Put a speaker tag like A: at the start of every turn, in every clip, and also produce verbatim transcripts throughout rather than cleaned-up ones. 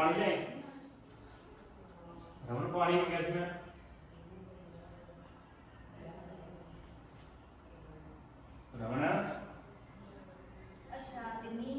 A: पानी ले रमन पानी में कैसे मैं रमन
B: अच्छा तिन्नी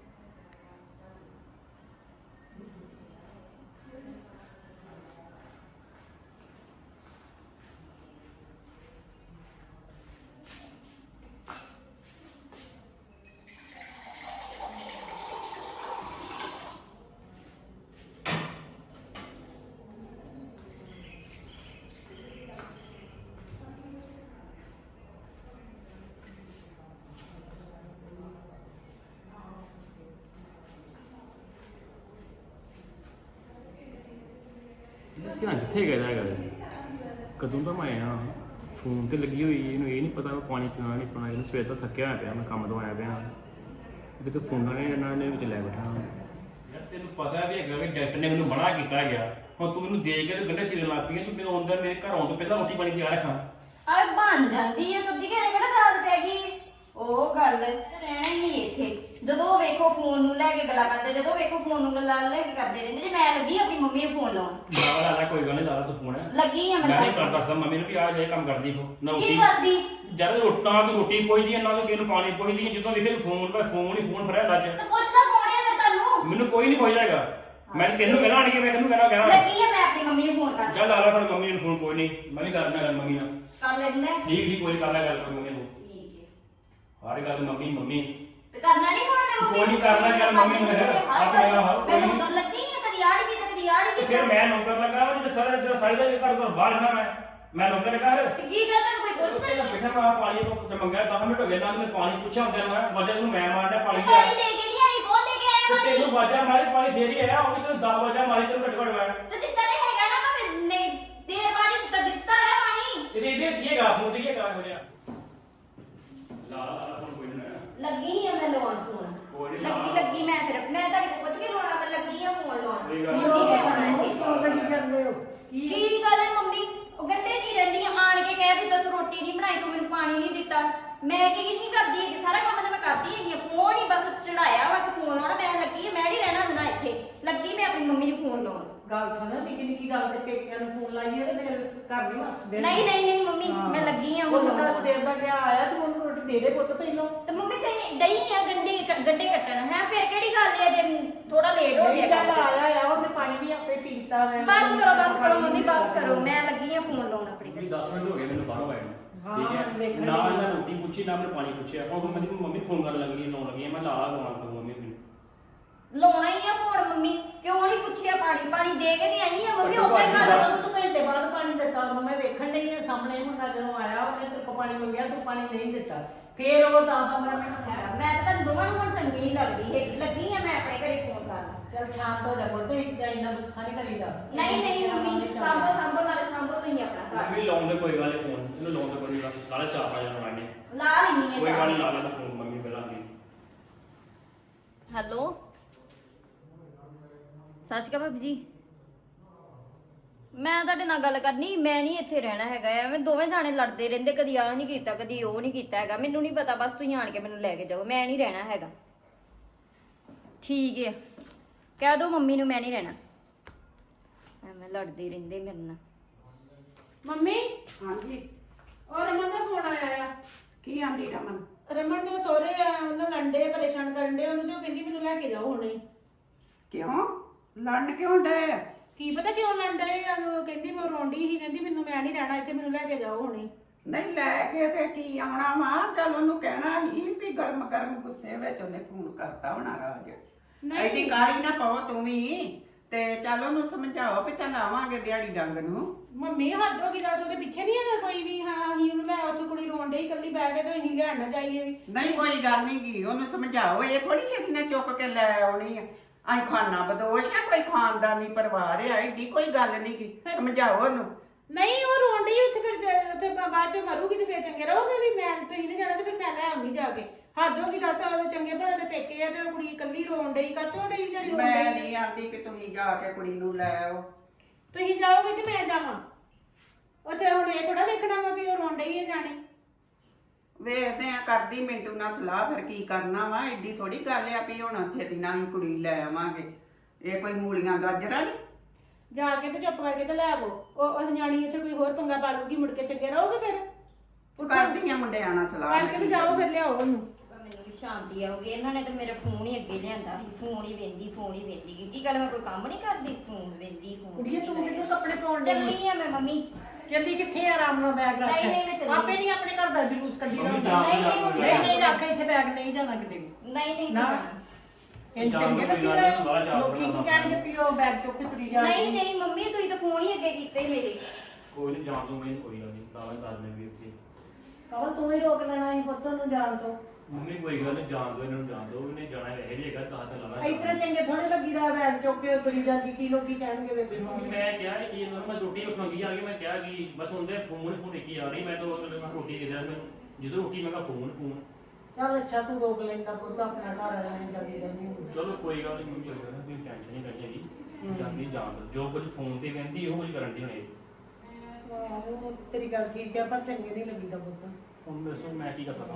A: ध्यान कितने गया है कदों का मैं आया फोन तो लगी हुई ਇਹਨੂੰ ਇਹ ਨਹੀਂ ਪਤਾ ਮੈਂ ਪਾਣੀ ਪੀਣਾ ਨਹੀਂ ਪੀਣਾ ਇਹਨੂੰ ਸਵੇਰ ਤੋਂ ਥੱਕਿਆ ਹੋਇਆ ਪਿਆ ਮੈਂ ਕੰਮ ਤੋਂ ਆਇਆ ਪਿਆ ਕਿਤੇ ਫੋਨਾਂ ਨੇ ਇਹਨਾਂ ਨੇ ਵਿੱਚ ਲੈ ਬੈਠਾ ਯਾਰ ਤੈਨੂੰ ਪਤਾ ਵੀ ਹੈਗਾ ਕਿ ਡਾਕਟਰ ਨੇ ਮੈਨੂੰ ਮਨਾ ਕੀਤਾ ਗਿਆ ਹੁਣ ਤੂੰ ਮੈਨੂੰ ਦੇਖ ਕੇ ਗੰਢੇ ਚਿਰਨ ਲੱਗ ਪਈ ਤੂੰ ਮੈਨੂੰ ਅੰਦਰ ਮੇਰੇ ਘਰ ਆਉਣ ਤੋਂ ਪਹਿਲਾਂ ਰੋਟੀ ਪਾਣੀ ਤਿਆਰ ਰੱਖਾਂ
B: ਆ ਬਣ ਜਾਂਦੀ ਹੈ ਸਬਜ਼ੀ ਘਰੇ ਕਿਹੜਾ ਰਾਤ ਪੈ ਗਈ ਉਹ ਗੱਲ ਰਹਿਣਾ ਹੀ ਨਹੀਂ ਇੱਥੇ ਜਦੋਂ ਵੇਖੋ ਫੋਨ ਨੂੰ ਲੈ ਕੇ ਗੱਲਾਂ ਕਰਦੇ ਜਦੋਂ ਵੇਖੋ ਫੋਨ ਨੂੰ ਗੱਲਾਂ ਲੈ ਕੇ ਕਰਦੇ ਰਹਿੰਦੇ ਜੇ ਮੈਂ ਲੱਗੀ ਆਪਣੀ ਮੰਮੀ ਨੂੰ ਫੋਨ ਲਾਉਣ
A: ਲਾ ਲਾ ਕੋਈ ਗੱਲ ਨਹੀਂ ਲਾ ਤੂੰ ਫੋਨ
B: ਲੱਗੀ ਆ
A: ਮੈਂ ਨਹੀਂ ਕਰ ਦੱਸਦਾ ਮੰਮੀ ਨੂੰ ਵੀ ਆ ਜੇ ਕੰਮ ਕਰਦੀ ਕੋ ਨਾ
B: ਕੀ ਕਰਦੀ
A: ਜਦ ਰੋਟਾਂ ਦੀ ਰੋਟੀ ਪੁੱਛਦੀ ਨਾ ਕਿ ਕਿਹਨੂੰ ਪਾਣੀ ਪੁੱਛਦੀ ਜਦੋਂ ਵੇਖੇ ਫੋਨ ਦਾ ਫੋਨ ਹੀ ਫੋਨ ਫੜਿਆ ਲੱਜ
B: ਤੇ ਪੁੱਛਦਾ ਕੌਣ ਹੈ ਮੈਂ ਤੁਹਾਨੂੰ
A: ਮੈਨੂੰ ਕੋਈ ਨਹੀਂ ਪੁੱਛਦਾ ਹੈਗਾ ਮੈਂ ਤੈਨੂੰ ਕਹਿਣਾ ਆਣ ਕੇ ਮੈਂ ਤੈਨੂੰ ਕਹਿਣਾ ਕਹਿਣਾ
B: ਲੱਗੀ ਆ ਮੈਂ ਆਪਣੀ ਮੰਮੀ ਨੂੰ ਫੋਨ ਕਰ
A: ਚੱਲ ਲਾ ਲਾ ਫਿਰ ਮੰਮੀ ਨੂੰ ਫੋਨ ਕੋਈ ਨਹੀਂ ਮੈਂ ਨਹੀਂ ਕਰਨਾ ਗੱਲ ਮੰਮੀ ਨਾਲ
B: ਕਰ ਲੈਂਦੇ
A: ਠੀਕ ਠੀਕ ਕੋਈ ਕਰ ਲੈ ਗੱਲ ਕੋਈ ਮੰਮੀ ਨੂੰ
B: ਠੀਕ ਹੈ
A: ਹਰ ਗੱਲ ਮੰਮੀ ਮੰਮੀ
B: ਤੇ ਕਰਨਾ ਨਹੀਂ ਹੁਣ ਮੈਂ ਮੰਮੀ
A: ਕੋਈ ਨਹੀਂ ਕਰਨਾ ਗੱਲ ਮੰਮੀ ਨੂੰ
B: ਮੈਂ ਨੌਕਰ ਲੱਗੀ ਆ ਕਦੀ ਆੜ ਗਈ ਤੇ ਕਦੀ ਆੜ ਗਈ
A: ਫਿਰ ਮੈਂ ਨੌਕਰ ਲੱਗਾ ਉਹ ਜੇ ਸਾਰਾ ਜਿਹੜਾ ਸਾਈਦਾ ਇਹ ਘਰ ਘਰ ਬਾਹਰ ਨਾ ਮੈਂ ਮੈਂ ਨੌਕਰ ਲੱਗਾ ਹਰ
B: ਤੇ ਕੀ ਗੱਲ ਤੈਨੂੰ ਕੋਈ ਪੁੱਛਦਾ ਨਹੀਂ
A: ਬੈਠਾ ਮੈਂ ਪਾਣੀ ਤੋਂ ਮੰਗਿਆ ਦਸ ਮਿੰਟ ਹੋ ਗਏ ਨਾ ਮੈਂ ਪਾਣੀ ਪੁੱਛਿਆ ਹੁੰਦਾ ਨੂੰ ਵਜੇ ਨੂੰ ਮੈਂ ਮਾਰਦਾ ਪਾਣੀ
B: ਪਾਣੀ ਦੇ ਕੇ ਨਹੀਂ ਆਈ ਬਹੁਤ ਦੇ ਕੇ ਆਇਆ
A: ਤੇ ਤੈਨੂੰ ਵਾਜਾ ਮਾਰੀ ਪਾਣੀ ਫੇਰ ਹੀ ਆਇਆ ਉਹ ਵੀ ਤੈਨੂੰ ਦਸ ਵਜਾ ਮਾਰੀ ਤੈਨੂੰ ਘੱਟ ਘੱਟ ਮੈਂ
B: ਤੇ ਦਿੱਤਾ ਨਹੀਂ ਹੈਗਾ ਨਾ ਮੈਂ ਨਹੀਂ ਦੇਰ ਬਾਅਦ ਦਿੱਤਾ ਦਿੱਤਾ ਨਾ ਪਾਣੀ
A: ਇਹਦੇ ਇਹਦੇ ਸੀਏਗਾ ਫੋਨ ਤੇ ਕੀ ਕਰਾਂ ਹੋ ਰਿਹਾ ਲਾ ਲਾ ਲਾ ਫੋਨ ਕੋਈ ਨਾ
B: ਲੱਗੀ ਆ ਮੈਂ ਲਾਉਣ ਫੋਨ ਲੱਗੀ ਲੱਗੀ ਮੈਂ ਫਿਰ ਮੈਂ ਤੁਹਾਡੇ ਕੋਲ ਪੁੱਛ ਕੇ ਰੋਣਾ ਮੈਂ ਲੱਗੀ ਆ ਫੋਨ ਲਾਉਣ ਮੰਮੀ ਨੇ ਆਉਣਾ ਇੱਥੇ ਕੀ ਗੱਲ ਹੈ ਮੰਮੀ ਉਹ ਗੰਡੇ ਜੀ ਰਹਿੰਦੀ ਆ ਆਣ ਕੇ ਕਹਿ ਦਿੱਤਾ ਤੂੰ ਰੋਟੀ ਨਹੀਂ ਬਣਾਈ ਤੂੰ ਮੈਨੂੰ ਪਾਣੀ ਨਹੀਂ ਦਿੱਤਾ ਮੈਂ ਕੀ ਨਹੀਂ ਕਰਦੀ ਹੈਗੀ ਸਾਰਾ ਕੰਮ ਤਾਂ ਮੈਂ ਕਰਦੀ ਹੈਗੀ ਫੋਨ ਹੀ ਬਸ ਚੜਾਇਆ ਵਾ ਕਿ ਫੋਨ ਲਾਉਣਾ ਮੈਂ ਲੱਗੀ ਆ ਮੈਂ ਨਹੀਂ ਰਹਿਣਾ ਹੁੰਦਾ ਇੱਥੇ ਲੱਗੀ ਮੈਂ ਆਪਣੀ ਮੰਮੀ ਨੂੰ ਫੋਨ ਲਾਉਣ
C: ਗੱਲ ਸੁਣ ਨਿੱਕੀ ਨਿੱਕੀ ਗੱਲ ਤੇ ਪੇਕਿਆਂ ਨੂੰ ਫੋਨ ਲਾਈਏ ਤੇ ਫਿਰ ਘਰ ਨਹੀਂ ਹੱਸਦੇ
B: ਨਹੀਂ ਨਹੀਂ ਨਹੀਂ ਮੰਮੀ ਮੈਂ ਲੱਗੀ ਆ
C: ਉਹ ਤਾਂ ਸਵੇਰ ਦਾ ਗਿਆ ਆਇਆ ਤੂੰ ਉਹਨੂੰ ਰੋਟੀ ਦੇ ਦੇ ਪੁੱਤ ਪਹਿਲਾਂ
B: ਤੇ ਮੰਮੀ ਕਹੀ ਡਈ ਆ ਗੰਡੇ ਗੰਡੇ ਕੱਟਣ ਹੈ ਫਿਰ ਕਿਹੜੀ ਗੱਲ ਹੈ ਜੇ ਥੋੜਾ ਲੇਟ ਹੋ ਗਿਆ
C: ਚੱਲ ਆਇਆ ਆ ਉਹਨੇ ਪਾਣੀ ਵੀ ਆਪੇ ਪੀਤਾ ਮੈਂ
B: ਬਸ ਕਰੋ ਬਸ ਕਰੋ ਮੰਮੀ ਬਸ ਕਰੋ ਮੈਂ ਲੱਗੀ ਆ ਫੋਨ ਲਾਉਣ ਆਪਣੀ
A: ਵੀ ਦਸ ਮਿੰਟ ਹੋ ਗਏ ਮੈਨੂੰ ਬਾਹਰੋਂ ਆਏ ਨੂੰ
C: ਹਾਂ,
A: ਠੀਕ ਹੈ
C: ਵੇਖਣ
A: ਨਾ
C: ਦੀ।
A: ਮੈਂ ਰੋਟੀ ਪੁੱਛੀ ਨਾ ਮੈਂ ਪਾਣੀ ਪੁੱਛਿਆ ਹੁਣ ਮੈਂ ਮੰਮੀ ਫੋਨ ਕਰਨ ਲੱਗੀ ਲਾਉਣ ਲੱਗੀ ਮੈਂ ਲਾ ਲਾ ਲਾਉਣਾ ਫਿਰ ਮੰਮੀ ਨੂੰ
B: ਲਾਉਣਾ ਹੀ ਆ ਫੋਨ ਮੰਮੀ ਕਿਉਂ ਨਹੀਂ ਪੁੱਛਿਆ ਪਾਣੀ ਪਾਣੀ ਦੇ ਕੇ ਤੇ ਆਈ ਆ ਮੰਮੀ ਉਦਾਂ ਹੀ ਕਰ
C: ਬਸ ਤੂੰ ਘੰਟੇ ਬਾਅਦ ਪਾਣੀ ਦਿੱਤਾ ਉਹਨੂੰ ਮੈਂ ਵੇਖਣ ਡਈ ਆ ਸਾਹਮਣੇ ਮੁੰਡਾ ਜਦੋਂ ਆਇਆ ਉਹਨੇ ਤੇਰੇ ਕੋਲ ਪਾਣੀ ਮੰਗਿਆ ਤੂੰ ਪਾਣੀ ਨਹੀਂ ਦਿੱਤਾ ਫੇਰ ਉਹ ਦਸ ਪੰਦਰਾਂ ਮਿੰਟ ਆਇਆ
B: ਮੈਂ ਤਾਂ ਤੁਹਾਨੂੰ ਦੋਵਾਂ ਨੂੰ ਹੁਣ ਚੰਗੀ ਨਹੀਂ ਲੱਗਦੀ ਹੈਗੀ ਲੱਗੀ ਆ ਮੈਂ ਆਪਣੇ ਘਰੇ ਫੋਨ ਕਰਨ
C: ਚੱਲ ਸ਼ਾਂਤ ਹੋ ਜਾ ਪੁੱਤ ਇੱਕ ਇੰਨਾ ਗੁੱਸਾ ਨਹੀਂ ਕਰੀਦਾ
B: ਨਹੀਂ ਨਹੀਂ ਮੰਮੀ ਸਾਂਭੋ ਸਾਂਭੋ ਨਾਲੇ ਸਾਂਭੋ ਤੁਸੀਂ ਆਪਣਾ ਘਰ
A: ਮੰਮੀ ਲਾਉਣ ਦੇ ਕੋਈ ਗੱਲ ਨਹੀਂ ਫੋਨ ਇਹਨੂੰ ਲਾਉਣ ਦੇ ਕੋਈ ਗੱਲ ਨਾਲੇ ਚਾਰ ਪੰਜ ਜਣ ਆਣੇ
B: ਲਾ ਲੈਣੀ
A: ਕੋਈ
B: ਆ
A: ਗੱਲ ਨਹੀਂ ਲਾ ਲੈਣਾ ਫੋਨ ਮੰਮੀ ਪਹਿਲਾਂ ਦੀ
B: ਹੈਲੋ ਸਤਿ ਸ਼੍ਰੀ ਅਕਾਲ ਭਾਬੀ ਜੀ ਮੈਂ ਤੁਹਾਡੇ ਨਾਲ ਗੱਲ ਕਰਨੀ ਮੈਂ ਨਹੀਂ ਇੱਥੇ ਰਹਿਣਾ ਹੈਗਾ ਐਵੇਂ ਦੋਵੇਂ ਜਾਣੇ ਲੜਦੇ ਰਹਿੰਦੇ ਕਦੀ ਆਹ ਨਹੀਂ ਕੀਤਾ ਕਦੀ ਉਹ ਨਹੀਂ ਕੀਤਾ ਹੈਗਾ ਮੈਨੂੰ ਨਹੀਂ ਪਤਾ ਬਸ ਤੁਸੀਂ ਆਣ ਕੇ ਮੈਨੂੰ ਲੈ ਕੇ ਜਾਓ ਮੈਂ ਨਹੀਂ ਰਹਿਣਾ ਹੈਗਾ ਠੀਕ ਹੈ ਕਹਿ ਦੋ ਮੰਮੀ ਨੂੰ ਮੈਂ ਨਹੀਂ ਰਹਿਣਾ ਐਵੇਂ ਲੜਦੇ ਰਹਿੰਦੇ ਮੇਰੇ ਨਾਲ
D: ਮੰਮੀ
E: ਹਾਂਜੀ
D: ਔਰ ਰਮਨ ਦਾ ਫੋਨ ਆਇਆ ਆ
E: ਕੀ ਆਂਦੀ ਰਮਨ
D: ਰਮਨ ਦੇ ਸਹੁਰੇ ਆ ਉਹਨਾਂ ਲੰਡੇ ਪਰੇਸ਼ਾਨ ਕਰਨ ਦੇ ਉਹਨੂੰ ਤੇ ਉਹ ਕਹਿੰਦੀ ਮੈਨੂੰ ਲੈ ਕੇ ਜਾਓ ਹੁਣੇ ਹੀ।
E: ਕਿਉਂ ਲੜਨ ਕਿਉਂ ਡਏ ਆ?
D: ਕੀ ਪਤਾ ਕਿਉਂ ਲੰਡੇ ਆ ਉਹ ਕਹਿੰਦੀ ਮੈਂ ਰੋਂਡੀ ਸੀ ਕਹਿੰਦੀ ਮੈਨੂੰ ਮੈਂ ਨਹੀਂ ਰਹਿਣਾ ਇੱਥੇ ਮੈਨੂੰ ਲੈ ਕੇ ਜਾਓ ਹੁਣੇ ਹੀ।
E: ਨਹੀਂ ਲੈ ਕੇ ਤੇ ਕੀ ਆਉਣਾ ਵਾ ਚੱਲ ਉਹਨੂੰ ਕਹਿਣਾ ਹੀ ਵੀ ਗਰਮ ਗਰਮ ਗੁੱਸੇ ਵਿੱਚ ਉਹਨੇ ਫੋਨ ਕਰਤਾ ਹੋਣਾ ਰਾਜ
D: ਨਹੀਂ।
E: ਐਡੀ ਕਾਲੀ ਨਾ ਪਾਓ ਤੂੰ ਵੀ ਤੇ ਚੱਲ ਉਹਨੂੰ ਸਮਝਾਓ ਵੀ ਚੱਲ ਆਵਾਂਗੇ ਦਿਹਾੜੀ ਡੰਗ ਨੂੰ
D: ਮੰਮੀ ਹੱਦ ਹੋ ਗਈ ਦੱਸ ਉਹਦੇ ਪਿੱਛੇ ਨਹੀਂ ਹੈਗਾ ਕੋਈ ਵੀ ਹਾਂ ਅਸੀਂ ਉਹਨੂੰ ਲੈ ਉੱਥੇ ਕੁੜੀ ਰੋਣ ਡਈ ਇਕੱਲੀ ਬਹਿ ਕੇ ਤੇ ਅਸੀਂ ਲੈਣ ਨਾ ਜਾਈਏ ਵੀ
E: ਨਹੀਂ ਕੋਈ ਗੱਲ ਨਹੀਂ ਗੀ ਉਹਨੂੰ ਸਮਝਾਓ ਇਹ ਥੋੜੀ ਛੇਤੀ ਨੇ ਚੁੱਕ ਕੇ ਲੈ ਆਉਣੀ ਆ ਆਈ ਖਾਨਾ ਬਦੋਸ਼ ਆ ਕੋਈ ਖਾਨਦਾਨੀ ਪਰਿਵਾਰ ਆ ਐਡੀ ਕੋਈ ਗੱਲ ਨਹੀਂ ਗੀ ਸਮਝਾਓ ਉਹਨੂੰ
D: ਨਹੀਂ ਉਹ ਰੋਣ ਡਈ ਉੱਥੇ ਫਿਰ ਜ- ਉੱਥੇ ਬਾ- ਬਾਅਦ ਚ ਮਰੂਗੀ ਤੇ ਫਿਰ ਚੰਗੇ ਰਹੋਗੇ ਵੀ ਮੈਂ ਤੁਸੀਂ ਨਹੀਂ ਜਾਣਾ ਤੇ ਫਿਰ ਮੈਂ ਲੈ ਆਉਂਗੀ ਜਾ ਕੇ ਹੱਦ ਹੋ ਗਈ ਦੱਸ ਉਹਦੇ ਚੰਗੇ ਭਲੇ ਦੇ ਪੇਕੇ ਆ ਤੇ ਉਹ ਕੁੜੀ ਇਕੱਲੀ ਰੋਣ ਡਈ ਕਾਤੋਂ ਡਈ ਵਿਚਾਰੀ ਰੋਣ
E: ਮੈਂ
D: ਡਈ
E: ਨਹੀਂ ਆਂਦੀ ਕਿ ਤੁਸੀਂ ਜਾ ਕੇ ਕੁੜੀ ਨੂੰ ਲੈ ਆਓ
D: ਤੁਸੀਂ ਜਾਓਗੇ ਕਿ ਮੈਂ ਜਾਵਾਂ ਉੱਥੇ ਹੁਣ ਇਹ ਥੋੜਾ ਵੇਖਣਾ ਵਾ ਵੀ ਉਹ ਰੋਣ ਡਈ ਹੈ ਜਾਣੀ
E: ਵੇਖਦੇ ਆ ਕਰਦੀ ਮਿੰਟੂ ਨਾਲ ਸਲਾਹ ਫਿਰ ਕੀ ਕਰਨਾ ਵਾ ਏਡੀ ਥੋੜੀ ਗੱਲ ਆ ਵੀ ਹੁਣ ਛੇਤੀ ਨਾਲ ਹੀ ਕੁੜੀ ਲੈ ਆਵਾਂਗੇ ਇਹ ਕੋਈ ਮੂਲੀਆਂ ਗਾਜਰਾਂ ਨੀ
D: ਜਾ ਕੇ ਤੇ ਚੁੱਪ ਕਰਕੇ ਤੇ ਲੈ ਆਵੋ ਉਹ ਉਹ ਨਿਆਣੀ ਇੱਥੇ ਕੋਈ ਹੋਰ ਪੰਗਾ ਪਾ ਲੂਗੀ ਮੁੜ ਕੇ ਚੰਗੇ ਰਹੋਗੇ ਫਿਰ
E: ਕਰਦੀਆਂ ਮੁੰਡਿਆਂ ਨਾਲ ਸਲਾਹ
D: ਕਰਕੇ ਤੇ ਜਾਓ ਫਿਰ ਲਿਆਓ ਉਹਨੂੰ
B: ਮੈਨੂੰ ਵੀ ਸ਼ਾਂਤੀ ਆਉਗੀ। ਇਹਨਾਂ ਨੇ ਤਾਂ ਮੇਰਾ ਫੋਨ ਹੀ ਅੱਗੇ ਲਿਆਂਦਾ ਸੀ, ਫੋਨ ਹੀ ਵੇਂਦੀ ਫੋਨ ਹੀ ਵੇਂਦੀ ਕੀ ਗੱਲ ਮੈਂ ਕੋਈ ਕੰਮ ਨਹੀਂ ਕਰਦੀ, ਫੋਨ ਵੇਂਦੀ ਫੋਨ
C: ਕੁੜੀਏ ਤੂੰ ਕਿਹਨੂੰ ਕੱਪੜੇ ਪਾਉਣ ਦੇ
B: ਚੱਲੀ ਆ ਮੈਂ ਮੰਮੀ।
C: ਚੱਲੀ ਕਿੱਥੇ ਆ? ਆਰਾਮ ਨਾਲ ਬੈਗ ਰੱਖ।
B: ਨਹੀਂ, ਨਹੀਂ, ਮੈਂ ਚੱਲੀ।
C: ਆਪੇ ਨਹੀਂ ਆਪਣੇ ਘਰ ਦਾ ਜਲੂਸ ਕੱਢੀ ਦਾ
A: ਮੰਮੀ
C: ਹੁੰਦਾ।
A: ਜਾ-
B: ਨਹੀਂ ਨਹੀਂ ਮੰਮੀ
C: ਨਹੀਂ ਨਹੀਂ ਰੱਖ ਇੱਥੇ ਬੈਗ, ਨਹੀਂ ਜਾਣਾ ਕਿਤੇ ਵੀ।
B: ਨਹੀਂ ਨਹੀਂ
C: ਨਾ।
B: ਜਾਣਾ।
C: ਇਹ ਚੰਗੇ
A: ਜਾਣ ਦੋ, ਕੋਈ ਗੱਲ ਨੀ, ਬਾਹਰ ਜਾ
C: ਲੋਕੀ ਕੀ ਕਹਿਣਗੇ ਵੀ ਉਹ ਬੈਗ ਚੁੱਕ ਕੇ ਤੁਰੀ ਜਾ
B: ਨਹੀਂ ਨਹੀਂ ਮੰਮੀ ਤੁਸੀਂ ਤਾਂ ਫੋਨ ਹੀ ਅੱਗੇ ਕੀਤੇ ਮੇਰੇ।
A: ਕੋਈ ਨਹੀਂ ਜਾਣ ਦੂੰਗਾ ਕੋਈ ਗੱਲ ਨਹੀਂ ਤਾਵਾ ਕਰ ਲੈ ਵੀ ਉੱਥੇ
C: ਕਵਲ ਤੂੰ ਹੀ ਰੋਕ ਲੈਣਾ ਸੀ ਪੁੱਤ ਨੂੰ ਜਾਣ ਤੋਂ।
A: ਮੰਮੀ ਕੋਈ ਗੱਲ ਨਹੀਂ ਜਾਣ ਦੋ ਇਹਨਾਂ ਨੂੰ ਜਾਣ ਦੋ ਇਹਨੇ ਜਾਣਾ ਵੈਸੇ ਵੀ ਹੈਗਾ ਤਾਂ ਤੇ ਲਾਣਾ
C: ਇਤਨੇ ਚੰਗੇ ਥੋੜੇ ਲੱਗੀਦਾ ਬੈਗ ਚੁੱਕ ਕੇ ਤੁਰੀ ਜਾਂਦੀ, ਕੀ ਲੋਕੀ ਕਹਿਣਗੇ ਵੇ
A: ਤੇ ਮੰਮੀ ਮੈਂ ਕਿਹਾ ਕਿ ਇਹਨਾਂ ਨੂੰ ਮੈਂ ਰੋਟੀ ਫਲਾਂਗੀ ਆ ਗਈ ਮੈਂ ਕਿਹਾ ਕਿ ਬਸ ਹੁੰਦੇ ਫੋਨ ਫੋਨ ਦੇਖੀ ਆ ਰਹੀ ਮੈਂ ਤਾਂ ਉਹ ਮੈਂ ਰੋਟੀ ਦੇ ਦਿਆ ਜਦੋਂ ਰੋਟੀ ਮੈਂ ਕਿਹਾ ਫੋਨ ਫੋਨ
C: ਚੱਲ ਅੱਛਾ ਤੂੰ ਰੋਕ ਲੈਂਦਾ ਪੁੱਤ, ਆਪਣਾ ਘਰ ਰਹਿਣ ਜਾਂਦੀ ਰਹਿੰਦੀ ਹੁੰਦੀ।
A: ਚਲੋ ਕੋਈ ਗੱਲ ਨਹੀਂ ਮੰਮੀ ਕੋਈ ਗੱਲ ਨਹੀਂ ਤੁਸੀਂ ਟੈਨਸ਼ਨ ਨਹੀਂ ਕਰਨੀ ਹੈਗੀ ਜਾਂਦੀ ਜਾਣ ਦੋ ਜੋ ਕੁਝ ਫੋਨ ਤੇ ਕਹਿੰਦੀ ਉਹ ਕੁਝ ਕਰਨ ਦੀ ਹੋਣੀ
C: ਆਹੋ ਤੇਰੀ ਗੱਲ ਠੀਕ ਹੈ ਪਰ ਚੰਗੇ ਨਹੀਂ ਲੱਗੀਦਾ ਪੁੱਤ।
A: ਹੁਣ ਦੱਸੋ ਮੈਂ ਕੀ ਕਰ ਸਕਦਾ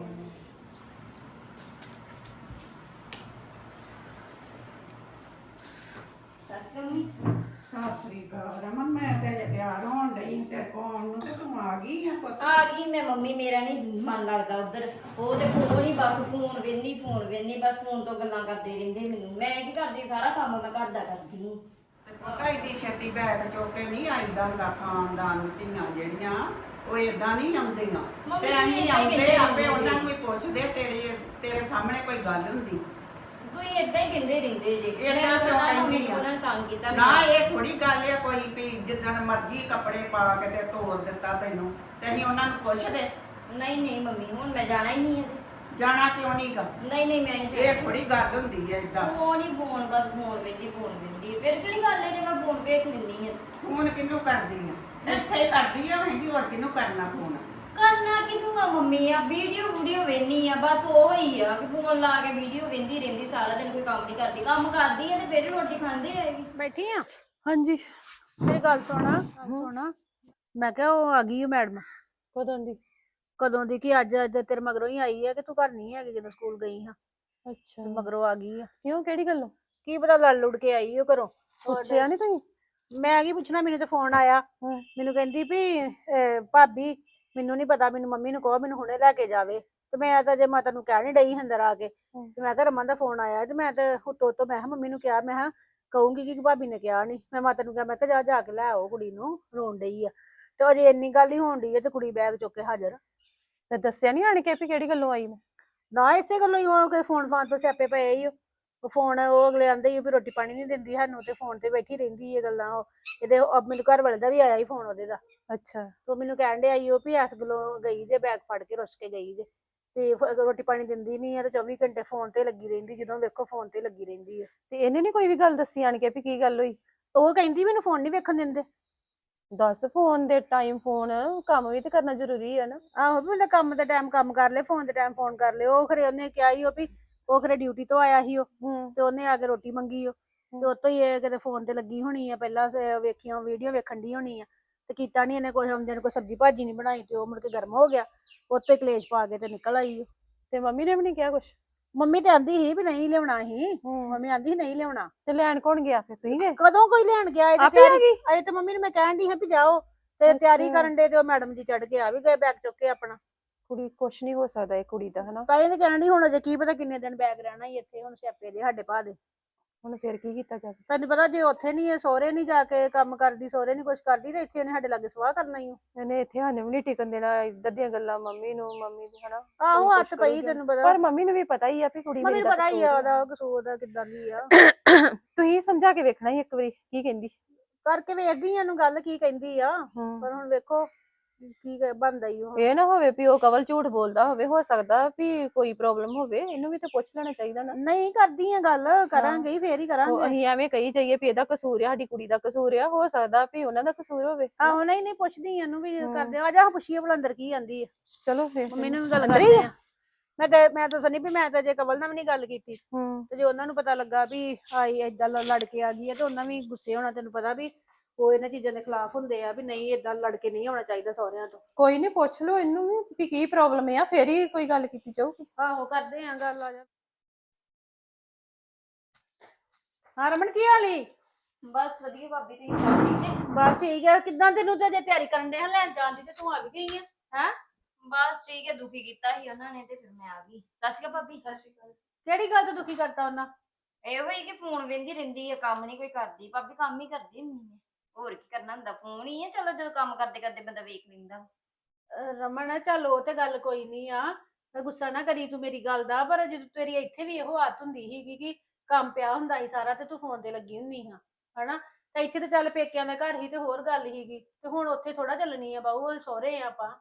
B: ਸੱਸ ਮੰਮੀ
E: ਸਤਿ ਸ੍ਰੀ ਅਕਾਲ ਰਮਨ ਮੈਂ ਤੇ ਅਜੇ ਤਿਆਰ ਹੋਣ ਡਈ ਤੇ ਕੋਣ ਨੂੰ ਤੇ ਤੂੰ ਆ ਗਈ ਆ ਪੁੱਤ
B: ਆ ਗਈ ਮੈਂ ਮੰਮੀ। ਮੇਰਾ ਨਹੀਂ ਮਨ ਲੱਗਦਾ ਉਧਰ, ਉਹ ਤੇ ਫੋਨ ਹੀ ਬਸ ਫੋਨ ਵੇਂਦੀ ਫੋਨ ਵੇਂਦੀ ਬਸ ਫੋਨ ਤੋਂ ਗੱਲਾਂ ਕਰਦੇ ਰਹਿੰਦੇ ਮੈਨੂੰ। ਮੈਂ ਕੀ ਕਰਦੀ, ਸਾਰਾ ਕੰਮ ਮੈਂ ਘਰ ਦਾ ਕਰਦੀ ਹਾਂ।
E: ਤੇ ਪਤਾ ਏਡੀ ਛੇਤੀ ਬੈਗ ਚੁੱਕ ਕੇ ਨਹੀਂ ਆਈਦਾ ਹੁੰਦਾ ਖਾਨਦਾਨ ਧੀਆਂ ਜਿਹੜੀਆਂ ਉਹ ਏਦਾਂ ਨਹੀਂ ਆਉਂਦੀਆਂ
B: ਮੰਮੀ
E: ਤੇ
B: ਜੀ
E: ਅਸੀਂ
B: ਏਦਾਂ ਹੀ
E: ਆਉਂਦੇ
B: ਕਹਿੰਦੇ
E: ਆਪੇ
B: ਰਹਿੰਦੇ
E: ਉਹਨਾਂ
B: ਜੀ।
E: ਨੂੰ ਵੀ ਪੁੱਛਦੇ ਤੇਰੇ ਤੇਰੇ ਸਾਹਮਣੇ ਕੋਈ ਗੱਲ ਹੁੰਦੀ
B: ਕੋਈ ਏਦਾਂ ਹੀ ਕਹਿੰਦੇ ਰਹਿੰਦੇ ਜੇ।
E: ਏਦਾਂ
B: ਮੈਂ
E: ਕਿਉਂ
B: ਪਤਾ ਮੰਮੀ
E: ਕਹਿੰਦੀ ਆ?
B: ਉਹਨਾਂ ਨੇ ਤੰਗ ਕੀਤਾ
E: ਨਾ
B: ਮੈਨੂੰ।
E: ਇਹ ਥੋੜੀ ਗੱਲ ਆ ਕੋਈ ਵੀ ਜਿੱਦਣ ਮਰਜ਼ੀ ਕੱਪੜੇ ਪਾ ਕੇ ਤੇ ਤੋਰ ਦਿੱਤਾ ਤੈਨੂੰ ਤੇ ਅਸੀਂ ਉਹਨਾਂ ਨੂੰ ਪੁੱਛਦੇ
B: ਨਹੀਂ ਨਹੀਂ ਮੰਮੀ ਹੁਣ ਮੈਂ ਜਾਣਾ ਹੀ ਨਹੀਂ ਹੈ।
E: ਜਾਣਾ ਕਿਉਂ ਨਹੀਂ ਗਾ
B: ਨਹੀਂ ਨਹੀਂ ਮੈਂ ਨਹੀਂ
E: ਇਹ ਥੋੜੀ ਗੱਲ ਹੁੰਦੀ ਹੈ ਏਦਾਂ
B: ਫੋਨ ਹੀ ਫੋਨ ਬਸ ਫੋਨ ਵੇਂਦੀ ਫੋਨ ਵੇਂਦੀ ਫਿਰ ਕਿਹੜੀ ਗੱਲ ਹੈ ਜੇ ਮੈਂ ਫੋਨ ਵੇਖ ਲੈਂਦੀ ਹਾਂ।
E: ਫੋਨ ਕਿਹਨੂੰ ਕਰਦੀ ਆ ਇੱਥੇ ਹੀ ਕਰਦੀ ਆ ਮਹਿੰਦੀ ਹੋਰ ਕਿਹਨੂੰ ਕਰਨਾ ਫੋਨ
B: ਕਰਨਾ ਕਿਹਨੂੰ ਆ ਮੰਮੀ? ਆ ਵੀਡੀਓ ਵੀਡੀਓ ਵੇਖਣੀ ਆ ਬਸ ਉਹ ਹੀ ਆ ਕਿ ਫੋਨ ਲਾ ਕੇ ਵੀਡੀਓ ਵੇਂਦੀ ਰਹਿੰਦੀ ਸਾਰਾ ਦਿਨ, ਕੋਈ ਕੰਮ ਨਹੀਂ ਕਰਦੀ। ਕੰਮ ਕਰਦੀ ਆ ਤੇ ਫਿਰ ਰੋਟੀ ਖਾਂਦੀ ਆਏਗੀ।
D: ਬੈਠੀ ਆ
F: ਹਾਂਜੀ
D: ਮੇਰੀ ਗੱਲ ਸੁਣਾ ਸੁਣਾ ਮੈਂ ਕਿਹਾ ਉਹ ਆ ਗਈ ਹੈ ਮੈਡਮ।
F: ਕਦੋਂ ਦੀ?
D: ਕਦੋਂ ਦੀ? ਕਿ ਅੱਜ ਅੱਜ ਤੇਰੇ ਮਗਰੋਂ ਹੀ ਆਈ ਹੈ ਕਿ ਤੂੰ ਘਰ ਨਹੀਂ ਹੈਗੀ ਜਦੋਂ ਸਕੂਲ ਗਈ ਹਾਂ
F: ਅੱਛਾ
D: ਤੇ ਮਗਰੋਂ ਆ ਗਈ ਆ।
F: ਕਿਉਂ ਕਿਹੜੀ ਗੱਲੋਂ?
D: ਕੀ ਪਤਾ ਲੜ ਲੁੜ ਕੇ ਆਈ ਉਹ ਘਰੋਂ।
F: ਪੁੱਛਿਆ ਨਹੀਂ ਤੁਸੀਂ?
D: ਮੈਂ ਕੀ ਪੁੱਛਣਾ, ਮੈਨੂੰ ਤੇ ਫੋਨ ਆਇਆ।
F: ਹਾਂ।
D: ਮੈਨੂੰ ਕਹਿੰਦੀ ਵੀ ਅਹ, ਭਾਬੀ ਮੈਨੂੰ ਨਹੀਂ ਪਤਾ, ਮੈਨੂੰ ਮੰਮੀ ਨੂੰ ਕਹੋ ਮੈਨੂੰ ਹੁਣੇ ਲੈ ਕੇ ਜਾਵੇ। ਤੇ ਮੈਂ ਤਾਂ ਜੇ ਮਾਤਾ ਨੂੰ ਕਹਿ ਨੀ ਡਈ ਅੰਦਰ ਆ ਕੇ ਤੇ ਮੈਂ ਕਿਹਾ ਰਮਨ ਦਾ ਫੋਨ ਆਇਆ ਤੇ ਮੈਂ ਤੇ ਉੱਤੋਂ ਤੋਂ ਮੈਂ ਕਿਹਾ ਮੰਮੀ ਨੂੰ ਕਿਹਾ, ਮੈਂ ਕਿਹਾ ਕਹੂੰਗੀ ਕਿ ਭਾਬੀ ਨੇ ਕਿਹਾ ਨਹੀਂ। ਮੈਂ ਮਾਤਾ ਨੂੰ ਕਿਹਾ ਮੈਂ ਕਿਹਾ ਜਾ ਜਾ ਕੇ ਲੈ ਆਓ ਕੁੜੀ ਨੂੰ, ਰੋਣ ਡਈ ਆ। ਤੇ ਅਜੇ ਇੰਨੀ ਗੱਲ ਹੀ ਹੋਣ ਡਈ ਆ ਤੇ ਕੁੜੀ ਬੈਗ ਚੁੱਕ ਕੇ ਹਾਜ਼ਰ।
F: ਤੇ ਦੱਸਿਆ ਨਹੀਂ ਆਣ ਕੇ ਵੀ ਕਿਹੜੀ ਗੱਲੋਂ ਆਈ ਮੈਂ?
D: ਨਾ ਇਸੇ ਗੱਲੋਂ ਹੀ ਉਹ ਫੋਨ ਫਾਨ ਤੋਂ ਸਿਆਪੇ ਪਏ ਹੀ ਉਹ ਫੋਨ ਉਹ ਅਗਲੇ ਆਂਦੇ ਹੀ ਵੀ ਰੋਟੀ ਪਾਣੀ ਨਹੀਂ ਦਿੰਦੀ ਸਾਨੂੰ ਤੇ ਫੋਨ ਤੇ ਬੈਠੀ ਰਹਿੰਦੀ ਇਹ ਗੱਲਾਂ। ਉਹ ਇਹਦੇ ਉਹ ਮੈਨੂੰ ਘਰ ਵਾਲੇ ਦਾ ਵੀ ਆਇਆ ਹੀ ਫੋਨ ਉਹਦੇ ਦਾ।
F: ਅੱਛਾ
D: ਤੋ ਮੈਨੂੰ ਕਹਿਣ ਡਿਆ ਈ ਉਹ ਵੀ ਇਸ ਗੱਲੋਂ ਗਈ ਜੇ ਬੈਗ ਫੜ ਕੇ ਰੁੱਸ ਕੇ ਗਈ ਜੇ ਤੇ ਫ- ਰੋਟੀ ਪਾਣੀ ਦਿੰਦੀ ਨਹੀਂ ਆ ਤੇ ਚੌਵੀ ਘੰਟੇ ਫੋਨ ਤੇ ਲੱਗੀ ਰਹਿੰਦੀ, ਜਦੋਂ ਵੇਖੋ ਫੋਨ ਤੇ ਲੱਗੀ ਰਹਿੰਦੀ ਆ।
F: ਤੇ ਇਹਨੇ ਨੀ ਕੋਈ ਵੀ ਗੱਲ ਦੱਸੀ ਆਣ ਕੇ ਵੀ ਕੀ ਗੱਲ ਹੋਈ?
D: ਉਹ ਕਹਿੰਦੀ ਮੈਨੂੰ ਫੋਨ ਨਹੀਂ ਵੇਖਣ ਦਿੰਦੇ।
F: ਦੱਸ, ਫੋਨ ਦੇ ਟਾਈਮ ਫੋਨ, ਕੰਮ ਵੀ ਤੇ ਕਰਨਾ ਜ਼ਰੂਰੀ ਹੈ ਨਾ।
D: ਆਹੋ ਵੀ ਉਹਨੇ ਕੰਮ ਦੇ ਟਾਈਮ ਕੰਮ ਕਰ ਲਏ, ਫੋਨ ਦੇ ਟਾਈਮ ਫੋਨ ਕਰ ਲਏ। ਉਹ ਖਰੇ ਉਹਨੇ ਕਿਹਾ ਹੀ ਉਹ ਵੀ ਉਹ ਖਰੇ ਡਿਊਟੀ ਤੋਂ ਆਇਆ ਸੀ ਉਹ
F: ਹੂੰ
D: ਤੇ ਉਹਨੇ ਆ ਕੇ ਰੋਟੀ ਮੰਗੀ ਉਹ ਤੇ ਉਤੋਂ ਹੀ ਇਹ ਕਿਤੇ ਫੋਨ ਤੇ ਲੱਗੀ ਹੋਣੀ ਆ, ਪਹਿਲਾਂ ਸ- ਵੇਖੀਆਂ ਵੀਡੀਓ ਵੇਖਣ ਦੀ ਹੋਣੀ ਆ ਤੇ ਕੀਤਾ ਨੀ ਇਹਨੇ ਕੋਈ ਹਮਜਨ ਕੋਈ ਸਬਜ਼ੀ ਭਾਜੀ ਨਹੀਂ ਬਣਾਈ ਤੇ ਉਹ ਮੁੜ ਕੇ ਗਰਮ ਹੋ ਗਿਆ, ਉੱਤੇ ਕਲੇਸ਼ ਪਾ ਕੇ ਤੇ ਨਿਕਲ ਆਈ ਉਹ।
F: ਤੇ ਮੰਮੀ ਨੇ ਵੀ ਨਹੀਂ ਕਿਹਾ ਕੁਛ?
D: ਮੰਮੀ ਤੇ ਆਂਦੀ ਸੀ ਵੀ ਨਹੀਂ ਲਿਆਉਣਾ ਸੀ,
F: ਹੂੰ
D: ਮੰਮੀ ਆਂਦੀ ਸੀ ਨਹੀਂ ਲਿਆਉਣਾ।
F: ਤੇ ਲੈਣ ਕੌਣ ਗਿਆ ਫਿਰ? ਤੁਸੀਂ ਗਏ?
D: ਕਦੋਂ ਕੋਈ ਲੈਣ ਗਿਆ? ਇਹ ਤੇ
F: ਆਪੇ ਆ
D: ਤਿਆਰੀ
F: ਗਈ?
D: ਅਜੇ ਤੇ ਮੰਮੀ ਨੂੰ ਮੈਂ ਕਹਿਣ ਦੀ ਹਾਂ ਵੀ ਜਾਓ ਤੇ ਤਿਆਰੀ
F: ਅੱਛਾ।
D: ਕਰਨ ਦੇ ਤੇ ਉਹ ਮੈਡਮ ਜੀ ਚੜ ਕੇ ਆ ਵੀ ਗਏ ਬੈਗ ਚੁੱਕ ਕੇ ਆਪਣਾ।
F: ਕੁੜੀ ਕੁਛ ਨਹੀਂ ਹੋ ਸਕਦਾ ਇਹ ਕੁੜੀ ਦਾ, ਹਨਾ?
D: ਤਾਂ ਇਹਨੇ ਕਹਿਣ ਦੀ ਹੁਣ ਅਜੇ ਕੀ ਪਤਾ ਕਿੰਨੇ ਦਿਨ ਬੈਗ ਰਹਿਣਾ ਹੀ ਇੱਥੇ, ਹੁਣ ਸਿਆਪੇ ਦੇ ਸਾਡੇ ਭਾ ਦੇ।
F: ਹੁਣ ਫਿਰ ਕੀ ਕੀਤਾ ਜਾਵੇ?
D: ਤੈਨੂੰ ਪਤਾ ਜੇ ਉੱਥੇ ਨਹੀਂ ਇਹ ਸਹੁਰੇ ਨਹੀਂ ਜਾ ਕੇ ਕੰਮ ਕਰਦੀ, ਸਹੁਰੇ ਨਹੀਂ ਕੁਛ ਕਰਦੀ ਤੇ ਇੱਥੇ ਇਹਨੇ ਸਾਡੇ ਲਾਗੇ ਸਵਾਹ ਕਰਨਾ ਹੀ।
F: ਇਹਨੇ ਇੱਥੇ ਸਾਨੂੰ ਵੀ ਨਹੀਂ ਟਿਕਣ ਦੇਣਾ, ਇੱਧਰ ਦੀਆਂ ਗੱਲਾਂ ਮੰਮੀ ਨੂੰ, ਮੰਮੀ ਦੀ, ਹਨਾ?
D: ਆਹੋ
F: ਕੋਈ
D: ਹੱਥ
F: ਕੁਛ
D: ਪਈ
F: ਕਰੂਗਾ।
D: ਤੈਨੂੰ ਪਤਾ।
F: ਪਰ ਮੰਮੀ ਨੂੰ ਵੀ ਪਤਾ ਹੀ ਆ ਵੀ ਕੁੜੀ
D: ਮੰਮੀ
F: ਮੇਰੀ
D: ਨੂੰ
F: ਦਾ
D: ਪਤਾ ਹੀ
F: ਕਸੂਰ
D: ਆ
F: ਆ।
D: ਉਹਦਾ ਕਸੂਰ ਦਾ ਕਿੱਦਾਂ ਦੀ ਆ।
F: ਤੁਸੀਂ ਸਮਝਾ ਕੇ ਵੇਖਣਾ ਸੀ ਇੱਕ ਵਾਰੀ ਕੀ ਕਹਿੰਦੀ।
D: ਕਰਕੇ ਵੇਖਦੀ ਆ ਇਹਨੂੰ ਗੱਲ ਕੀ ਕਹਿੰਦੀ ਆ,
F: ਹੂੰ
D: ਪਰ ਹੁਣ ਵੇਖੋ ਕੀ ਕ- ਬਣਦਾ ਈ ਉਹ।
F: ਇਹ ਨਾ ਹੋਵੇ ਵੀ ਉਹ ਕਵਲ ਝੂਠ ਬੋਲਦਾ ਹੋਵੇ, ਹੋ ਸਕਦਾ ਵੀ ਕੋਈ ਪ੍ਰੋਬਲਮ ਹੋਵੇ, ਇਹਨੂੰ ਵੀ ਤਾਂ ਪੁੱਛ ਲੈਣਾ ਚਾਹੀਦਾ ਨਾ।
D: ਨਹੀਂ ਕਰਦੀ ਆ ਗੱਲ, ਕਰਾਂਗੇ ਹੀ ਫੇਰ ਹੀ
F: ਉਹ
D: ਕਰਾਂਗੇ।
F: ਅਸੀਂ ਐਵੇਂ ਕਹੀ ਜਾਈਏ ਵੀ ਇਹਦਾ ਕਸੂਰ ਆ, ਸਾਡੀ ਕੁੜੀ ਦਾ ਕਸੂਰ ਆ, ਹੋ ਸਕਦਾ ਵੀ ਉਹਨਾਂ ਦਾ ਕਸੂਰ ਹੋਵੇ।
D: ਆਹੋ ਨਹੀਂ ਨਹੀਂ ਪੁੱਛਦੀ ਇਹਨੂੰ ਵੀ
F: ਹਮ।
D: ਕਰਦੇ ਆ ਜਾ ਪੁੱਛੀਏ ਭਲਾ ਅੰਦਰ ਕੀ ਆਂਦੀ ਆ।
F: ਚਲੋ ਫਿਰ
D: ਮੰਮੀ ਨੂੰ ਵੀ ਗੱਲ
F: ਅੰਦਰ ਹੀ
D: ਕਰਦੇ
F: ਆ?
D: ਆ। ਮੈਂ ਤੇ ਮੈਂ ਤਾਂ ਸਨੀ ਵੀ ਮੈਂ ਤਾਂ ਜੇ ਕਵਲ ਨਾਲ ਵੀ ਨਹੀਂ ਗੱਲ ਕੀਤੀ
F: ਹੂੰ
D: ਤੇ ਜੇ ਉਹਨਾਂ ਨੂੰ ਪਤਾ ਲੱਗਾ ਵੀ ਆਈ ਏਦਾਂ ਲ- ਲੜ ਕੇ ਆ ਗਈ ਆ ਤੇ ਉਹਨਾਂ ਵੀ ਗੁੱਸੇ ਹੋਣਾ। ਤੈਨੂੰ ਪਤਾ ਵੀ ਉਹ ਇਹਨਾਂ ਚੀਜ਼ਾਂ ਦੇ ਖਿਲਾਫ ਹੁੰਦੇ ਆ ਵੀ ਨਹੀਂ ਏਦਾਂ ਲੜ ਕੇ ਨਹੀਂ ਆਉਣਾ ਚਾਹੀਦਾ ਸਹੁਰਿਆਂ ਤੋਂ।
F: ਕੋਈ ਨਹੀਂ, ਪੁੱਛ ਲਓ ਇਹਨੂੰ ਵੀ ਵੀ ਕੀ ਪ੍ਰੋਬਲਮ ਆ, ਫੇਰ ਹੀ ਕੋਈ ਗੱਲ ਕੀਤੀ ਜਾਊਗੀ।
D: ਆਹੋ ਕਰਦੇ ਆ ਗੱਲ, ਆ ਜਾ। ਹਾਂ ਰਮਨ ਕੀ ਹਾਲ ਈ?
B: ਬਸ ਵਧੀਆ ਭਾਬੀ, ਤੁਸੀਂ ਸਭ ਠੀਕ ਨੇ?
D: ਬਸ ਠੀਕ ਹੈ। ਕਿੱਦਾਂ ਤੈਨੂੰ ਤੇ ਅਜੇ ਤਿਆਰੀ ਕਰਨ ਦੇ ਹਾਂ ਲੈਣ ਜਾਣ ਦੀ ਤੇ ਤੂੰ ਆ ਵੀ ਗਈ ਆ ਹੈ?
B: ਬਸ ਠੀਕ ਹੈ, ਦੁਖੀ ਕੀਤਾ ਸੀ ਉਹਨਾਂ ਨੇ ਤੇ ਫਿਰ ਮੈਂ ਆ ਗਈ। ਸਤਿ ਸ਼੍ਰੀ ਅਕਾਲ ਭਾਬੀ। ਸਤਿ ਸ਼੍ਰੀ ਅਕਾਲ।
D: ਕਿਹੜੀ ਗੱਲ ਤੋਂ ਦੁਖੀ ਕਰਤਾ ਉਹਨਾਂ?
B: ਇਹੋ ਹੀ ਕਿ ਫੋਨ ਵੇਂਦੀ ਰਹਿੰਦੀ ਹੈ, ਕੰਮ ਨਹੀਂ ਕੋਈ ਕਰਦੀ। ਭਾਬੀ ਕੰਮ ਹੀ ਕਰਦੀ ਹੁੰਦੀ ਹੈ, ਹੋਰ ਕੀ ਕਰਨਾ ਹੁੰਦਾ, ਫੋਨ ਹੀ ਹੈ। ਚਲੋ ਜਦੋਂ ਕੰਮ ਕਰਦੇ ਕਰਦੇ ਬੰਦਾ ਵੇਖ ਲੈਂਦਾ।
D: ਅਹ ਰਮਨ ਚੱਲ ਉਹ ਤੇ ਗੱਲ ਕੋਈ ਨਹੀਂ ਆ, ਮੈਂ ਗੁੱਸਾ ਨਾ ਕਰੀ ਤੂੰ ਮੇਰੀ ਗੱਲ ਦਾ, ਪਰ ਜਦੋਂ ਤੇਰੀ ਇੱਥੇ ਵੀ ਇਹੋ ਆਦਤ ਹੁੰਦੀ ਸੀਗੀ ਕਿ ਕੰਮ ਪਿਆ ਹੁੰਦਾ ਸੀ ਸਾਰਾ ਤੇ ਤੂੰ ਫੋਨ ਤੇ ਲੱਗੀ ਹੁੰਦੀ ਹਾਂ ਹਨਾ, ਤਾਂ ਇੱਥੇ ਤੇ ਚੱਲ ਪੇਕਿਆਂ ਦਾ ਘਰ ਹੀ ਤੇ ਹੋਰ ਗੱਲ ਹੀਗੀ, ਤੇ ਹੁਣ ਉੱਥੇ ਥੋੜਾ ਚੱਲਣੀ ਆ ਬਾਹੂ, ਸਹੁਰੇ ਆ ਆਪਾਂ,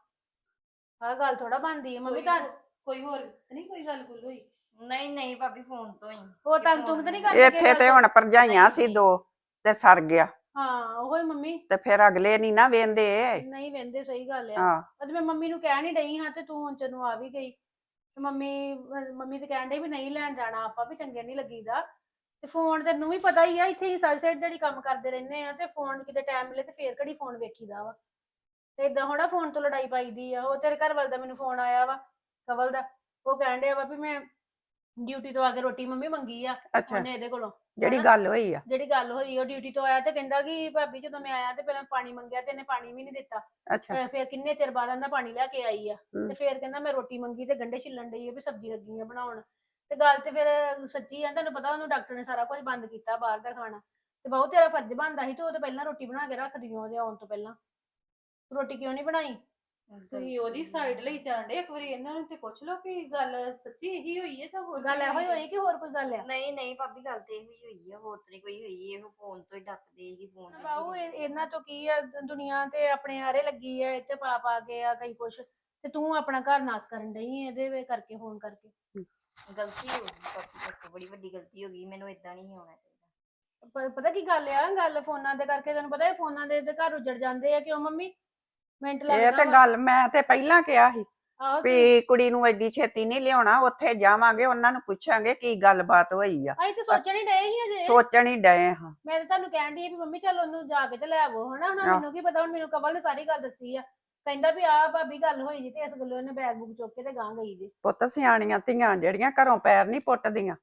D: ਆਹ ਗੱਲ ਥੋੜਾ ਬਣਦੀ ਆ। ਮੰਮੀ ਤਾਂ ਕੋਈ ਹੋਰ ਨਹੀਂ ਕੋਈ ਗੱਲ ਗੁੱਲ ਹੋਈ?
B: ਨਹੀਂ ਨਹੀਂ ਭਾਬੀ, ਫੋਨ ਤੋਂ ਹੀ
D: ਉਹ ਤੰਗ ਤੁੰਗ ਤਾਂ ਨਹੀਂ ਕਰਦੇ?
E: ਇੱਥੇ ਤੇ ਹੁਣ ਭਰਜਾਈਆਂ ਸੀ ਦੋ ਤੇ ਸਰ ਗਿਆ,
D: ਹਾਂ ਉਹੀ ਮੰਮੀ
E: ਤੇ ਫਿਰ ਅਗਲੇ ਨਹੀਂ ਨਾ ਵੇਂਦੇ।
D: ਨਹੀਂ ਵਹਿੰਦੇ, ਸਹੀ ਗੱਲ ਆ।
E: ਹਾਂ
D: ਅੱਜ ਮੈਂ ਮੰਮੀ ਨੂੰ ਕਹਿ ਨਹੀਂ ਡਈ ਹਾਂ ਤੇ ਤੂੰ ਹੁਣ ਚਨੂੰ ਆ ਵੀ ਗਈ ਤੇ ਮੰਮੀ ਮੰਮੀ ਤੇ ਕਹਿਣ ਡਈ ਵੀ ਨਹੀਂ ਲੈਣ ਜਾਣਾ ਆਪਾਂ, ਵੀ ਚੰਗੇ ਨਹੀਂ ਲੱਗੀਦਾ। ਤੇ ਫੋਨ ਤੈਨੂੰ ਵੀ ਪਤਾ ਹੀ ਆ, ਇੱਥੇ ਹੀ ਸਾਰੀ ਸਾਈਡ ਜਿਹੜੀ ਕੰਮ ਕਰਦੇ ਰਹਿੰਦੇ ਆ, ਤੇ ਫੋਨ ਕਿਤੇ ਟਾਈਮ ਮਿਲੇ ਤੇ ਫੇਰ ਘੜੀ ਫੋਨ ਵੇਖੀਦਾ ਵਾ, ਤੇ ਏਦਾਂ ਹੋਣਾ ਫੋਨ ਤੋਂ ਲੜਾਈ ਪਾਈਦੀ ਆ। ਉਹ ਤੇਰੇ ਘਰ ਵਾਲ ਦਾ ਮੈਨੂੰ ਫੋਨ ਆਇਆ ਵਾ, ਕਵਲ ਦਾ, ਉਹ ਕਹਿਣ ਡਿਆ ਵਾ ਵੀ ਮੈਂ ਡਿਊਟੀ ਤੋਂ ਆ ਕੇ ਰੋਟੀ ਮੰਮੀ ਮੰਗੀ ਆ
E: ਅੱਛਾ,
D: ਉਹਨੇ ਇਹਦੇ ਕੋਲੋਂ।
E: ਜਿਹੜੀ
D: ਹਨਾ?
E: ਗੱਲ ਹੋਈ ਆ।
D: ਜਿਹੜੀ ਗੱਲ ਹੋਈ, ਉਹ ਡਿਊਟੀ ਤੋਂ ਆਇਆ ਤੇ ਕਹਿੰਦਾ ਕਿ ਭਾਬੀ ਜਦੋਂ ਮੈਂ ਆਇਆ ਤੇ ਪਹਿਲਾਂ ਪਾਣੀ ਮੰਗਿਆ ਤੇ ਇਹਨੇ ਪਾਣੀ ਵੀ ਨਹੀਂ ਦਿੱਤਾ,
E: ਅੱਛਾ
D: ਤੇ ਫਿਰ ਕਿੰਨੇ ਚਿਰ ਬਾਅਦ ਆਂਦਾ ਪਾਣੀ ਲੈ ਕੇ ਆਈ ਆ,
E: ਹਮ।
D: ਤੇ ਫਿਰ ਕਹਿੰਦਾ ਮੈਂ ਰੋਟੀ ਮੰਗੀ ਤੇ ਗੰਢੇ ਛਿੱਲਣ ਡਈ ਆ ਵੀ ਸਬਜ਼ੀ ਲੱਗੀ ਆ ਬਣਾਉਣ। ਤੇ ਗੱਲ ਤੇ ਫਿਰ ਸੱਚੀ ਆ, ਤੁਹਾਨੂੰ ਪਤਾ ਉਹਨੂੰ ਡਾਕਟਰ ਨੇ ਸਾਰਾ ਕੁਝ ਬੰਦ ਕੀਤਾ ਬਾਹਰ ਦਾ ਖਾਣਾ, ਤੇ ਬਹੁਤ ਤੇਰਾ ਫਰਜ਼ ਬਣਦਾ ਸੀ, ਤੇ ਉਹ ਤੇ ਪਹਿਲਾਂ ਰੋਟੀ ਬਣਾ ਕੇ ਰੱਖਦੀ ਉਹਦੇ ਆਉਣ ਤੋਂ ਪਹਿਲਾਂ, ਰੋਟੀ ਕਿਉਂ ਨਹੀਂ ਬਣਾਈ?
F: ਤੁਸੀਂ ਉਹਦੀ ਸਾਈਡ ਲਈ ਜਾਂਦੇ, ਇੱਕ ਵਾਰੀ ਇਹਨਾਂ ਨੂੰ ਤੇ ਪੁੱਛ ਲਓ ਕਿ ਗੱਲ ਸੱਚੀ ਇਹੀ ਹੋਈ ਹੈ ਜਾਂ ਹੋਰ
D: ਗੱਲ
F: ਕੋਈ
D: ਇਹੋ ਹੀ ਹੋਈ ਕਿ ਹੋਰ ਕੋਈ ਗੱਲ ਆ?
B: ਨਹੀਂ ਨਹੀਂ ਭਾਬੀ, ਗੱਲ ਤੇ ਇਹੋ ਹੀ ਹੋਈ ਆ, ਹੋਰ ਤੇ ਨੀ ਕੋਈ ਹੋਈ। ਇਹੋ ਫੋਨ ਤੋਂ ਹੀ ਡੱਕਦੇ ਕਿ ਫੋਨ
D: ਬਾਹੂ ਇਹ- ਇਹਨਾਂ ਤੋਂ ਕੀ ਆ, ਦੁਨੀਆ ਤੇ ਆਪਣੇ ਆਰੇ ਲੱਗੀ ਆ, ਇੱਥੇ ਪਾ ਪਾ ਕੇ ਆ ਕਈ ਕੁਛ, ਤੇ ਤੂੰ ਆਪਣਾ ਘਰ ਨਾਸ ਕਰਨ ਡਈ ਇਹਦੇ ਵੇ ਕਰਕੇ ਫੋਨ ਕਰਕੇ।
B: ਗਲਤੀ ਹੋ ਗਈ ਭਾਬੀ, ਮੇਰੇ ਤੋਂ ਬੜੀ ਵੱਡੀ ਗਲਤੀ ਹੋ ਗਈ, ਮੈਨੂੰ ਏਦਾਂ ਨਹੀਂ ਹੋਣਾ ਚਾਹੀਦਾ।
D: ਪ- ਪਤਾ ਕੀ ਗੱਲ ਆ, ਗੱਲ ਫੋਨਾਂ ਦੇ ਕਰਕੇ ਤੈਨੂੰ ਪਤਾ ਇਹ ਫੋਨਾਂ ਦੇ ਤੇ ਘਰ ਉਜੜ ਜਾਂਦੇ ਆ, ਕਿਉਂ ਮੰਮੀ? ਮਿੰਟ
E: ਇਹ
D: ਲੱਗਦਾ
E: ਤੇ
D: ਵਾ।
E: ਗੱਲ ਮੈਂ ਤੇ ਪਹਿਲਾਂ ਕਿਹਾ ਸੀ
D: ਆਹੋ ਕੀ-
E: ਵੀ ਕੁੜੀ ਨੂੰ ਐਡੀ ਛੇਤੀ ਨਹੀਂ ਲਿਆਉਣਾ, ਉੱਥੇ ਜਾਵਾਂਗੇ ਉਹਨਾਂ ਨੂੰ ਪੁੱਛਾਂਗੇ ਕੀ ਗੱਲਬਾਤ ਹੋਈ ਆ।
D: ਅਸੀਂ ਤੇ ਸੋਚਣ ਹੀ ਡਏ ਸੀ ਅਜੇ।
E: ਸੋਚਣ ਹੀ ਡਏ ਹਾਂ।
D: ਮੈਂ ਤਾਂ ਤੁਹਾਨੂੰ ਕਹਿਣ ਦੀ ਵੀ ਮੰਮੀ ਚੱਲ ਉਹਨੂੰ ਜਾ ਕੇ ਤੇ ਲੈ ਆਵੋ ਹਨਾ, ਹੁਣ
E: ਆਹ।
D: ਮੈਨੂੰ ਕੀ ਪਤਾ, ਹੁਣ ਮੈਨੂੰ ਕਵਲ ਨੇ ਸਾਰੀ ਗੱਲ ਦੱਸੀ ਆ, ਕਹਿੰਦਾ ਵੀ ਆਹ ਭਾਬੀ ਗੱਲ ਹੋਈ ਜੀ, ਤੇ ਇਸ ਗੱਲੋਂ ਇਹਨੇ ਬੈਗ ਬੁੱਕ ਚੁੱਕ ਕੇ ਤੇ ਗਾਂ ਗਈ ਜੀ।
E: ਪੁੱਤ ਸਿਆਣੀਆਂ ਧੀਆਂ ਜਿਹੜੀਆਂ ਘਰੋਂ ਪੈਰ ਨਹੀਂ ਪੁੱਟਦੀਆਂ,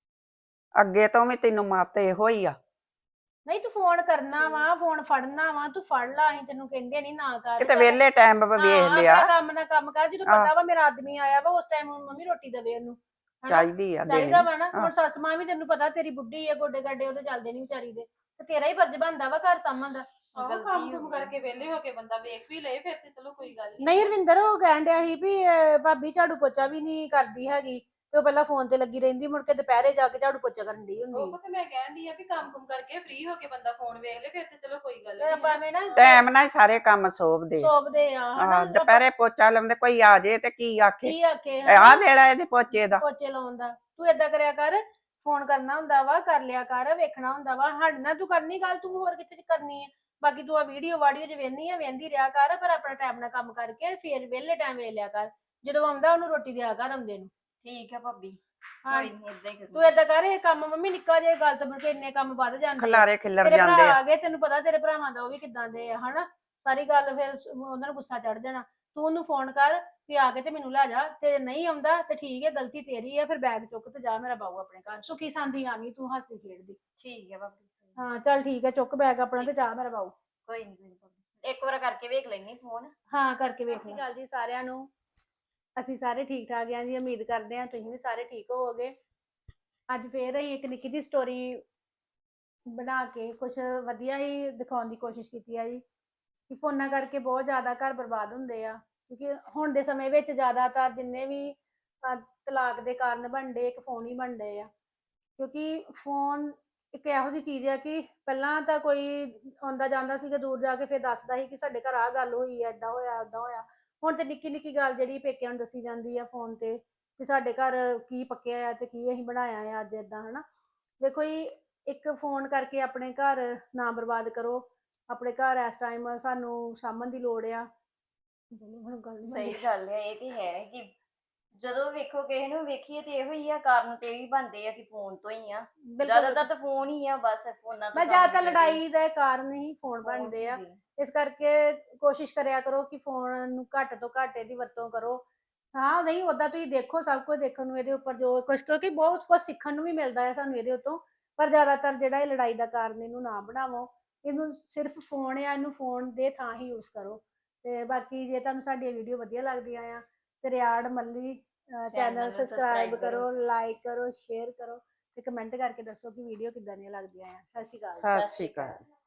E: ਅੱਗੇ ਤੋਂ ਵੀ ਤੈਨੂੰ ਮੱਤ ਇਹੋ ਹੀ ਆ।
D: ਨਹੀਂ ਤੂੰ ਫੋਨ ਕਰਨਾ ਵਾ, ਫੋਨ ਫੜਨਾ ਵਾ, ਤੂੰ ਫੜ ਲਾ, ਅਸੀਂ ਤੈਨੂੰ ਕਹਿੰਦੇ ਨਹੀਂ ਨਾ ਕਰ।
E: ਕਿਤੇ ਵਿਹਲੇ ਟਾਈਮ ਵੇਖ
D: ਹਾਂ,
E: ਲਿਆ
D: ਆਪਣਾ ਕੰਮ ਨਾ ਕੰਮ ਕਰ, ਜਦੋਂ
E: ਆਹ।
D: ਪਤਾ ਵਾ ਮੇਰਾ ਆਦਮੀ ਆਇਆ ਵਾ ਉਸ ਟਾਈਮ ਮੰਮੀ ਰੋਟੀ ਦੇਵੇ ਉਹਨੂੰ, ਹਨਾ?
E: ਚਾਹੀਦੀ ਆ ਦੇਣੀ।
D: ਚਾਹੀਦਾ ਵਾ ਨਾ।
E: ਆਹ।
D: ਹੁਣ ਸੱਸ ਮਾਂ ਵੀ ਤੈਨੂੰ ਪਤਾ ਤੇਰੀ ਬੁੱਢੀ ਆ, ਗੋਡੇ ਗਾਡੇ ਉਹਦੇ ਚੱਲਦੇ ਨਹੀਂ ਵਿਚਾਰੀ ਦੇ, ਤੇ ਤੇਰਾ ਹੀ ਫਰਜ਼ ਬਣਦਾ ਵਾ ਘਰ ਸਾਂਭਣ ਦਾ।
F: ਆਹੋ,
B: ਗਲਤੀ
F: ਕੰਮ
B: ਹੋ
F: ਕੁਮ
B: ਗਈ।
F: ਕਰਕੇ ਵਿਹਲੇ ਹੋ ਕੇ ਬੰਦਾ ਵੇਖ ਵੀ ਲਏ ਫਿਰ ਤੇ ਚਲੋ ਕੋਈ ਗੱਲ
D: ਨਹੀਂ ਰਵਿੰਦਰ ਉਹ ਕਹਿਣ ਡਿਆ ਸੀ ਵੀ ਅਹ, ਭਾਬੀ ਝਾੜੂ ਪੋਚਾ ਵੀ ਨਹੀਂ ਕਰਦੀ ਹੈਗੀ, ਤੇ ਉਹ ਪਹਿਲਾਂ ਫੋਨ ਤੇ ਲੱਗੀ ਰਹਿੰਦੀ, ਮੁੜ ਕੇ ਦੁਪਹਿਰੇ ਜਾ ਕੇ ਝਾੜੂ ਪੋਚਾ ਕਰਨ ਦੀ ਹੁੰਦੀ।
F: ਉਹ ਤੇ ਮੈਂ ਕਹਿਣ ਦੀ ਆ ਵੀ ਕੰਮ ਕੁਮ ਕਰਕੇ ਫ੍ਰੀ ਹੋ ਕੇ ਬੰਦਾ ਫੋਨ ਵੇਖ ਲੇ ਫਿਰ ਤੇ ਚਲੋ ਕੋਈ ਗੱਲ
D: ਤੇ
F: ਨਹੀਂ।
D: ਆਪਾਂ ਐਵੇਂ ਨਾ
E: ਟਾਈਮ ਨਾਲ ਹੀ ਸਾਰੇ ਕੰਮ ਸੋਭਦੇ।
D: ਸੋਭਦੇ ਆ
E: ਹਾਂ,
D: ਹਨਾ,
E: ਦੁਪਹਿਰੇ ਪੋਚਾ ਲਾਉਂਦੇ, ਕੋਈ ਆ ਜੇ ਤੇ ਕੀ ਆਖੇ
D: ਕੀ ਆਖੇ
E: ਆਹ ਵੇਲਾ ਇਹਦੇ ਪੋਚੇ ਦਾ।
D: ਪੋਚੇ ਲਾਉਣ ਦਾ। ਤੂੰ ਏਦਾਂ ਕਰਿਆ ਕਰ, ਫੋਨ ਕਰਨਾ ਹੁੰਦਾ ਵਾ, ਕਰ ਲਿਆ ਕਰ, ਵੇਖਣਾ ਹੁੰਦਾ ਵਾ, ਸਾਡੇ ਨਾਲ ਤੂੰ ਕਰਨੀ ਗੱਲ, ਤੂੰ ਹੋਰ ਕਿੱਥੇ ਕਰਨੀ ਹੈ? ਬਾਕੀ ਤੂੰ ਆ ਵੀਡੀਓ ਵਾਡੀਓ ਚ ਵੇਖਨੀ ਆ, ਵੇਖਦੀ ਰਿਹਾ ਕਰ, ਪਰ ਆਪਣਾ ਟਾਈਮ ਨਾਲ ਕੰਮ ਕਰਕੇ ਫੇਰ ਵਿਹਲੇ ਟਾਈਮ ਵੇਖ ਲਿਆ ਕਰ, ਜਦੋਂ ਆਉਂਦਾ ਉਹਨੂੰ ਰੋਟੀ ਦਿਆ ਕਰ ਆਉਂਦੇ ਨੂੰ।
B: ਠੀਕ ਹੈ ਭਾਬੀ,
D: ਹਾਂ,
B: ਕੋਈ ਨਹੀਂ ਏਦਾਂ ਹੀ
D: ਤੂੰ
B: ਕਰੂੰ।
D: ਏਦਾਂ ਕਰ, ਇਹ ਕੰਮ ਮੰਮੀ ਨਿੱਕਾ ਜਿਹਾ ਗੱਲ ਤੋਂ ਮੁੜ ਕੇ ਇੰਨੇ ਕੰਮ ਵੱਧ ਜਾਂਦੇ ਆ।
E: ਖਲਾਰੇ ਖਿੱਲਰ
D: ਤੇਰੇ
E: ਜਾਂਦੇ
D: ਭਰਾ
E: ਆ।
D: ਆ ਗਏ, ਤੈਨੂੰ ਪਤਾ ਤੇਰੇ ਭਰਾਵਾਂ ਦਾ ਉਹ ਵੀ ਕਿੱਦਾਂ ਦੇ ਆ ਹਨਾ, ਸਾਰੀ ਗੱਲ ਫਿਰ ਸ- ਉਹਨਾਂ ਨੂੰ ਗੁੱਸਾ ਚੜ ਜਾਣਾ। ਤੂੰ ਉਹਨੂੰ ਫੋਨ ਕਰ ਵੀ ਆ ਕੇ ਤੇ ਮੈਨੂੰ ਲੈ ਜਾ, ਤੇ ਨਹੀਂ ਆਉਂਦਾ ਤੇ ਠੀਕ ਹੈ, ਗਲਤੀ ਤੇਰੀ ਹੈ, ਫਿਰ ਬੈਗ ਚੁੱਕ ਤੇ ਜਾ ਮੇਰਾ ਬਾਊ ਆਪਣੇ ਘਰ, ਸੁਖੀ ਸਾਂਦੀ ਆਵੀਂ ਤੂੰ ਹੱਸਦੀ ਖੇਡਦੀ।
B: ਠੀਕ ਹੈ ਭਾਬੀ,
D: ਹਾਂ ਚੱਲ ਠੀਕ ਹੈ, ਚੁੱਕ ਬੈਗ ਆਪਣਾ ਤੇ ਜਾ ਮੇਰਾ ਬਾਊ।
B: ਕੋਈ ਨਹੀਂ ਕੋਈ ਨੀ ਭਾਬੀ, ਇੱਕ ਵਾਰ ਕਰਕੇ ਵੇਖ ਲੈਣੀ ਫੋਨ।
D: ਹਾਂ ਕਰਕੇ ਵੇਖ
F: ਸਤਿ
D: ਲੈ।
F: ਸ਼੍ਰੀ ਅਕਾਲ
D: ਜੀ ਸਾਰਿਆਂ ਨੂੰ, ਅਸੀਂ ਸਾਰੇ ਠੀਕ ਠਾਕ ਆਂ ਜੀ, ਉਮੀਦ ਕਰਦੇ ਹਾਂ ਤੁਸੀਂ ਵੀ ਸਾਰੇ ਠੀਕ ਹੋਵੋਗੇ। ਅੱਜ ਫੇਰ ਅਸੀਂ ਇੱਕ ਨਿੱਕੀ ਜਿਹੀ ਸਟੋਰੀ ਬਣਾ ਕੇ ਕੁਝ ਵਧੀਆ ਹੀ ਦਿਖਾਉਣ ਦੀ ਕੋਸ਼ਿਸ਼ ਕੀਤੀ ਆ ਜੀ, ਕਿ ਫੋਨਾਂ ਕਰਕੇ ਬਹੁਤ ਜ਼ਿਆਦਾ ਘਰ ਬਰਬਾਦ ਹੁੰਦੇ ਆ, ਕਿਉਂਕਿ ਹੁਣ ਦੇ ਸਮੇਂ ਵਿੱਚ ਜ਼ਿਆਦਾਤਰ ਜਿੰਨੇ ਵੀ ਅਹ, ਤਲਾਕ ਦੇ ਕਾਰਨ ਬਣਦੇ ਇੱਕ ਫੋਨ ਹੀ ਬਣਦੇ ਆ, ਕਿਉਂਕਿ ਫੋਨ ਇੱਕ ਇਹੋ ਜਿਹੀ ਚੀਜ਼ ਆ ਕਿ ਪਹਿਲਾਂ ਤਾਂ ਕੋਈ ਆਉਂਦਾ ਜਾਂਦਾ ਸੀਗਾ ਦੂਰ ਜਾ ਕੇ ਫਿਰ ਦੱਸਦਾ ਸੀ ਕਿ ਸਾਡੇ ਘਰ ਆਹ ਗੱਲ ਹੋਈ ਆ, ਏਦਾਂ ਹੋਇਆ ਏਦਾਂ ਹੋਇਆ। ਹੁਣ ਤੇ ਨਿੱਕੀ ਨਿੱਕੀ ਗੱਲ ਜਿਹੜੀ ਪੇਕਿਆਂ ਨੂੰ ਦੱਸੀ ਜਾਂਦੀ ਆ ਫੋਨ ਤੇ, ਕਿ ਸਾਡੇ ਘਰ ਕੀ ਪੱਕਿਆ ਆ ਤੇ ਕੀ ਅਸੀਂ ਬਣਾਇਆ ਆ ਅੱਜ ਏਦਾਂ ਹਨਾ। ਦੇਖੋ ਜੀ, ਇੱਕ ਫੋਨ ਕਰਕੇ ਆਪਣੇ ਘਰ ਨਾ ਬਰਬਾਦ ਕਰੋ, ਆਪਣੇ ਘਰ ਇਸ ਟਾਈਮ ਸਾਨੂੰ ਸਾਂਭਣ ਦੀ ਲੋੜ ਆ। ਹੁਣ ਗੱਲ ਨੀ
B: ਸਹੀ
D: ਬਣਦੀ।
B: ਗੱਲ ਹੈ, ਇਹ ਤੇ ਹੈ ਕਿ ਜਦੋਂ ਵੇਖੋ ਕਿਸੇ ਨੂੰ ਵੇਖੀਏ ਤੇ ਇਹੋ ਹੀ ਆ, ਕਾਰਨ ਤੇ ਇਹੀ ਬਣਦੇ ਆ ਕਿ ਫੋਨ ਤੋਂ ਹੀ ਆ, ਜ਼ਿਆਦਾਤਰ ਤਾਂ ਫੋਨ ਹੀ ਆ, ਬਸ ਫੋਨਾਂ ਤੋਂ
D: ਮੈਂ
B: ਕੰਮ
D: ਜ਼ਿਆਦਾਤਰ
B: ਨਿਬੜਦੇ।
D: ਲੜਾਈ ਦਾ ਕਾਰਨ ਹੀ ਫੋਨ
B: ਫੋਨ
D: ਬਣਦੇ ਆ,
B: ਹੁੰਦੇ।
D: ਇਸ ਕਰਕੇ ਕੋਸ਼ਿਸ਼ ਕਰਿਆ ਕਰੋ ਕਿ ਫੋਨ ਨੂੰ ਘੱਟ ਤੋਂ ਘੱਟ ਇਹਦੀ ਵਰਤੋਂ ਕਰੋ। ਹਾਂ ਨਹੀਂ ਓਦਾਂ ਤੁਸੀਂ ਦੇਖੋ, ਸਭ ਕੁਝ ਦੇਖਣ ਨੂੰ ਇਹਦੇ ਉੱਪਰ ਜੋ ਕੁਝ, ਕਿਉਂਕਿ ਬਹੁਤ ਕੁਝ ਸਿੱਖਣ ਨੂੰ ਵੀ ਮਿਲਦਾ ਹੈ ਸਾਨੂੰ ਇਹਦੇ ਉੱਤੋਂ, ਪਰ ਜ਼ਿਆਦਾਤਰ ਜਿਹੜਾ ਇਹ ਲੜਾਈ ਦਾ ਕਾਰਨ ਇਹਨੂੰ ਨਾ ਬਣਾਵੋ, ਇਹਨੂੰ ਸਿਰਫ ਫੋਨ ਆ, ਇਹਨੂੰ ਫੋਨ ਦੇ ਥਾਂ ਹੀ ਯੂਜ਼ ਕਰੋ। ਤੇ ਬਾਕੀ ਜੇ ਤੁਹਾਨੂੰ ਸਾਡੀਆਂ ਵੀਡੀਓ ਵਧੀਆ ਲੱਗਦੀਆਂ ਆ ਤੇ ਰਿਆੜ ਮੱਲੀ ਚੈਨਲ ਸਬਸਕ੍ਰਾਈਬ ਕਰੋ, ਲਾਈਕ ਕਰੋ, ਸ਼ੇਅਰ ਕਰੋ ਤੇ ਕਮੈਂਟ ਕਰਕੇ ਦੱਸੋ ਕਿ ਵੀਡੀਓ ਕਿੱਦਾਂ ਦੀਆਂ ਲੱਗਦੀਆਂ ਆ। ਸਤਿ ਸ਼੍ਰੀ ਅਕਾਲ।
E: ਸਤਿ ਸ਼੍ਰੀ ਅਕਾਲ।